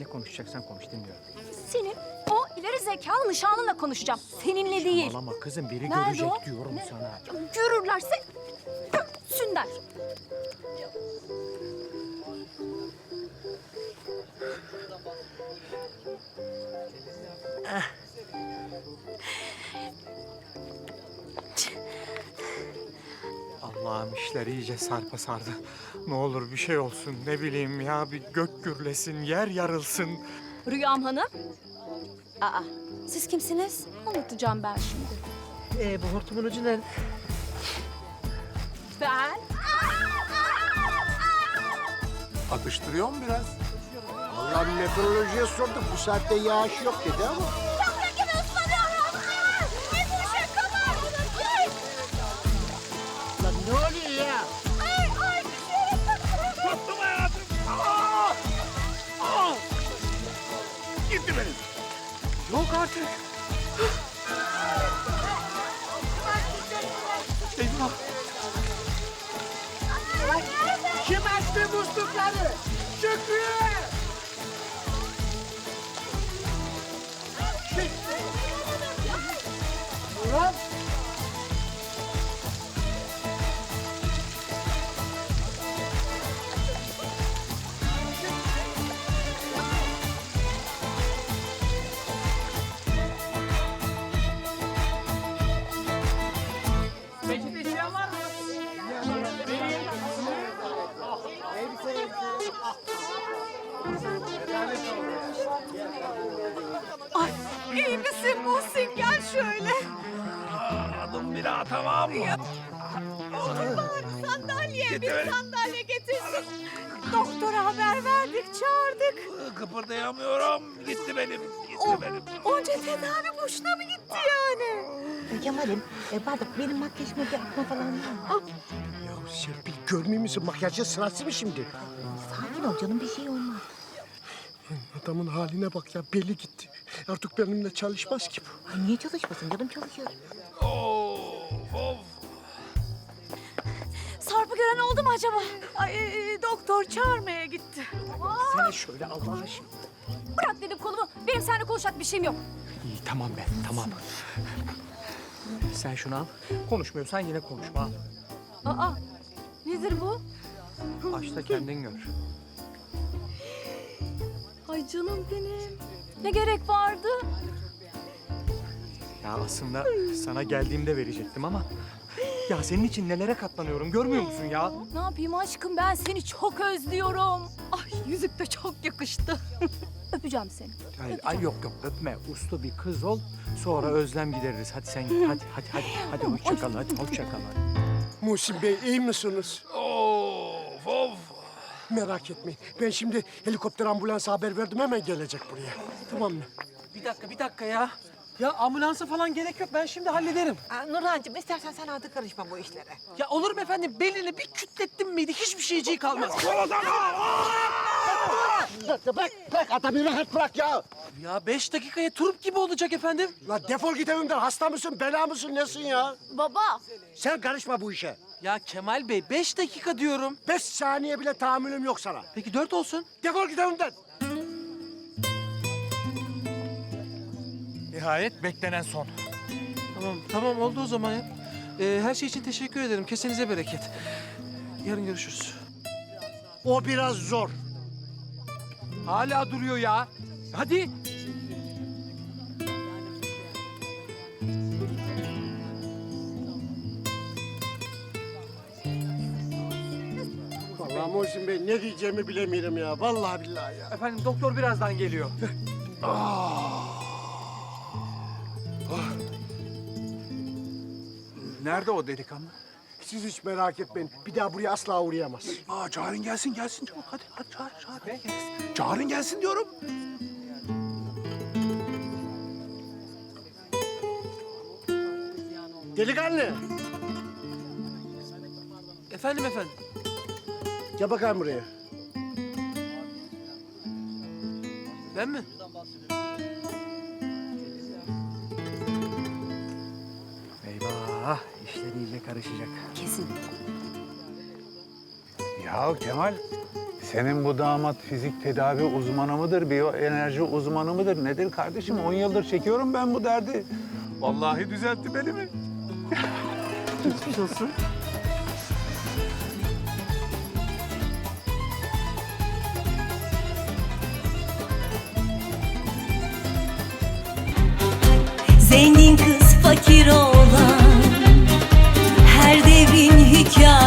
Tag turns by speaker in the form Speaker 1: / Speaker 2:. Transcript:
Speaker 1: Ne konuşacaksan konuş, dinliyorum.
Speaker 2: Senin o ileri zekalı nişanlınla konuşacağım. Seninle değil.
Speaker 1: Saçmalama kızım, biri
Speaker 2: Nerede
Speaker 1: görecek
Speaker 2: o?
Speaker 1: diyorum
Speaker 2: Ne?
Speaker 1: sana.
Speaker 2: Ya görürlerse görsünler.
Speaker 1: Allah'ım, işler iyice sarpa sardı. Ne olur bir şey olsun, ne bileyim ya, bir gök gürlesin, yer yarılsın.
Speaker 2: Rüyam Hanım. Aa, siz kimsiniz? Anlatacağım ben şimdi.
Speaker 3: Bu hortumun ucu nerede?
Speaker 2: Ben...
Speaker 4: Atıştırıyor mu biraz?
Speaker 5: Vallahi meteorolojiye sorduk. Bu saatte yağış yok dedi ama. Lan ne oluyor ya?
Speaker 4: Tuttum hayatım. Aa! Aa! Gitti benim.
Speaker 1: Yok artık. Eyvah.
Speaker 5: Kim açtı muslukları? Şükrü! Ulan!
Speaker 2: Ay, iyi misin Muhsin? Gel şöyle.
Speaker 4: Adım bir daha, tamam mı?
Speaker 2: Sandalye, bir sandalye getirsin. Doktora haber verdik, çağırdık.
Speaker 4: Kıpırdayamıyorum. Gitti benim. Gitti benim.
Speaker 2: Onca tedavi boşuna mı gitti yani?
Speaker 3: Kemal'im, pardon benim makyajıma bir atma falan var mı?
Speaker 5: Ya Serpil görmüyor musun? Makyajın sırası mı şimdi?
Speaker 3: Sakin ol canım, bir şey olmaz.
Speaker 5: Adamın haline bak ya. Belli gitti. Artık benimle çalışmaz ki bu.
Speaker 3: Ay niye çalışmasın canım, çalışıyor.
Speaker 4: Of.
Speaker 2: Sarp'ı gören oldu mu acaba? Ay, doktor çağırmaya gitti.
Speaker 5: Seni şöyle Allah aşkına.
Speaker 2: Bırak dedim kolumu. Benim seninle konuşacak bir şeyim yok.
Speaker 1: İyi, tamam be, tamam. Sen şunu al. Konuşmuyorsan yine konuşma, al.
Speaker 2: Aa, nedir bu?
Speaker 1: Aç da kendin gör.
Speaker 2: Ay canım benim. Ne gerek vardı?
Speaker 1: Ya aslında sana geldiğimde verecektim ama... Ya senin için nelere katlanıyorum, görmüyor musun ya?
Speaker 2: Ne yapayım aşkım, ben seni çok özlüyorum. Ay yüzük de çok yakıştı. Öpeceğim seni.
Speaker 1: Ay yok öpme. Uslu bir kız ol. Sonra özlem gideririz. Hadi sen git. Hadi hoşça kal. Hadi hoşça kal.
Speaker 5: Muhsin Bey iyi misiniz?
Speaker 4: Of.
Speaker 5: Merak etmeyin. Ben şimdi helikopter ambulansa haber verdim. Hemen gelecek buraya. Tamam mı?
Speaker 6: Bir dakika ya. Ya ambulansa falan gerek yok. Ben şimdi hallederim.
Speaker 3: Nurhancığım istersen sen artık karışma bu işlere.
Speaker 6: Ya olur mu efendim? Belini bir kütlettim miydi hiçbir şeyciği kalmaz.
Speaker 5: Bırak adamı rahat bırak ya.
Speaker 6: Ya 5 dakikaya turp gibi olacak efendim.
Speaker 5: La defol git evimden. Hasta mısın, bela mısın, nesin ya?
Speaker 2: Baba.
Speaker 5: Sen karışma bu işe.
Speaker 6: Ya Kemal Bey 5 dakika diyorum.
Speaker 5: 5 saniye bile tahammülüm yok sana.
Speaker 6: Peki 4 olsun.
Speaker 5: Defol git evimden.
Speaker 1: Nihayet beklenen son.
Speaker 6: Tamam oldu o zaman ya. Her şey için teşekkür ederim. Kesenize bereket. Yarın görüşürüz.
Speaker 5: O biraz zor.
Speaker 1: Hala duruyor ya. Hadi.
Speaker 5: Vallahi Muhsin Bey ne diyeceğimi bilemiyorum ya. Vallahi billahi ya.
Speaker 1: Efendim doktor birazdan geliyor. Nerede o delikanlı?
Speaker 5: Siz hiç merak etmeyin. Bir daha buraya asla uğrayamaz.
Speaker 4: Çağırın gelsin çabuk. Hadi çağır. Çağırın gelsin diyorum.
Speaker 5: Delikanlı.
Speaker 6: Efendim.
Speaker 5: Gel bakayım buraya.
Speaker 6: Ben mi?
Speaker 1: Eyvah, işler iyice karışacak.
Speaker 2: Kesin.
Speaker 4: Ya Kemal,
Speaker 7: Senin bu damat fizik tedavi uzmanı mıdır, biyoenerji uzmanı mıdır? Nedir kardeşim? 10 yıldır çekiyorum ben bu derdi. Vallahi düzeltti belimi.
Speaker 6: Geçmiş olsun.
Speaker 8: Zengin kız fakir olan her devrin hikayesi.